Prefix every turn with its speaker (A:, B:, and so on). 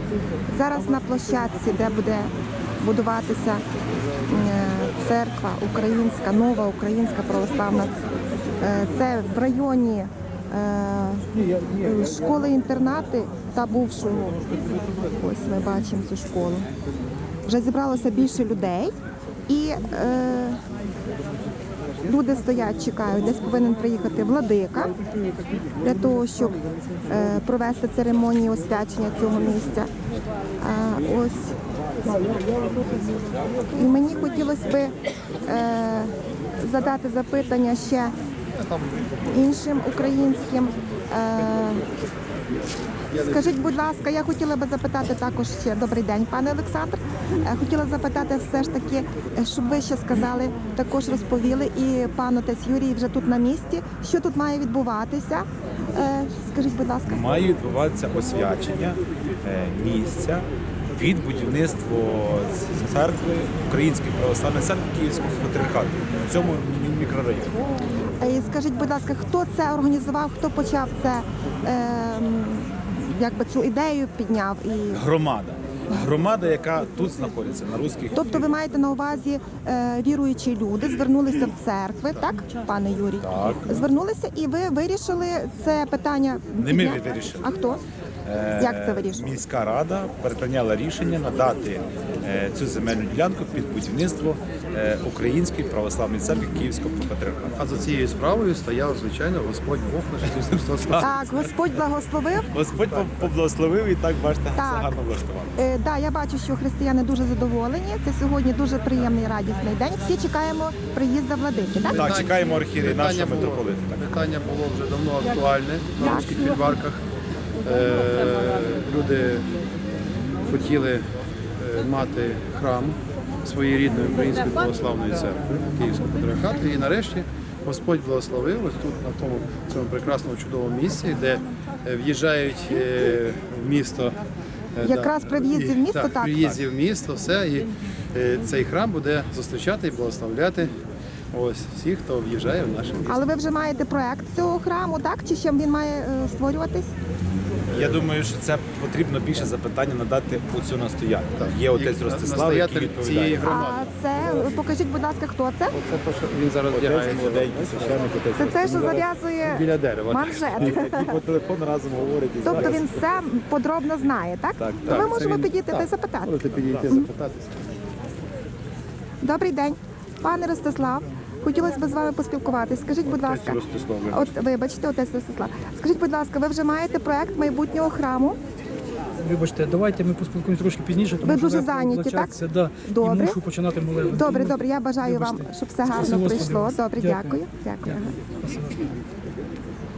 A: Зараз на площадці, де буде будуватися церква українська, нова українська православна. Це в районі школи-інтернати та бувшого. Ось ми бачимо цю школу. Вже зібралося більше людей і люди стоять, чекають. Десь повинен приїхати владика для того, щоб провести церемонію освячення цього місця. Ось. І мені хотілося б задати запитання ще іншим українським. Скажіть, будь ласка, я хотіла би запитати також ще, добрий день, пане Олександр. Хотіла запитати все ж таки, щоб ви ще сказали, також розповіли, і пан отець Юрій вже тут на місці, що тут має відбуватися. Скажіть, будь ласка.
B: Має відбуватися освячення місця під будівництво церкви, Української православної церкви Київського патріархату в цьому мікрорайоні.
A: Скажіть, будь ласка, хто це організував, хто почав це, якби цю ідею підняв?
B: Громада. Громада, яка тут знаходиться, на Руських.
A: Тобто ви маєте на увазі віруючі люди, звернулися в церкви, так, пане Юрій?
B: Так.
A: Звернулися і ви вирішили це питання?
B: Не ми вирішили.
A: А хто? Як це вирішили?
B: Міська рада прийняла рішення надати цю земельну ділянку під будівництво Української православної церкви Київського патріархату.
C: А за цією справою стояв, звичайно, Господь Бог наш Ісус Христос.
A: Так, Господь благословив.
B: Господь поблагословив і так, бачите, все
A: Так.
B: гарно влаштував.
A: Да, я бачу, що християни дуже задоволені. Це сьогодні дуже приємний, радісний день. Всі чекаємо приїзду владики, так?
B: Так, чекаємо архієрея нашого
C: Питання
B: митрополита. так.
C: Питання було вже давно актуальне на
A: Так.
C: руських фільварках. Люди хотіли мати храм своєї рідної української православної церкви Київського патріархату. І нарешті Господь благословив ось тут, на цьому прекрасному чудовому місці, де в'їжджають в місто.
A: Якраз при в'їзді в місто, так?
C: При в'їзді в місто, все. І цей храм буде зустрічати і благословляти ось всіх, хто в'їжджає в наше місто.
A: Але ви вже маєте проект цього храму, так? Чи ще він має створюватись?
B: Я думаю, що це потрібно більше запитання надати у цю настоятелю. Є отець
C: І
B: Ростислав, який
C: настоятель цієї
B: відповідає.
C: громади.
A: А це, покажіть, будь ласка, хто це?
C: Це те, що він зараз вдягає
A: Це те, що зав'язує
C: біля дерева.
A: манжет.
B: Які по телефону разом говорять. і
A: Тобто
B: зараз.
A: він все подробно знає, так?
B: Так,
A: То ми
C: це
A: можемо
C: він-
A: підійти та й
C: так.
A: запитати.
C: Можете підійти запитатися.
A: Добрий день, пане Ростислав. Хотілося б з вами поспілкуватись. Скажіть, будь ласка, от вибачте, отець Ростислав. Скажіть, будь ласка, ви вже маєте проект майбутнього храму?
D: Вибачте, давайте ми поспілкуємося трошки пізніше, тому
A: Ви
D: що
A: дуже
D: я
A: зайняті, так?
D: плачатися, да,
A: Добре.
D: і мушу починати молитву.
A: Добре, добре. Я бажаю вам,
D: Вибачте.
A: щоб все
D: Спасибо,
A: гарно
D: Господи.
A: пройшло. Добре,
D: Дякую.
A: дякую. Дякую.
D: Спасибо.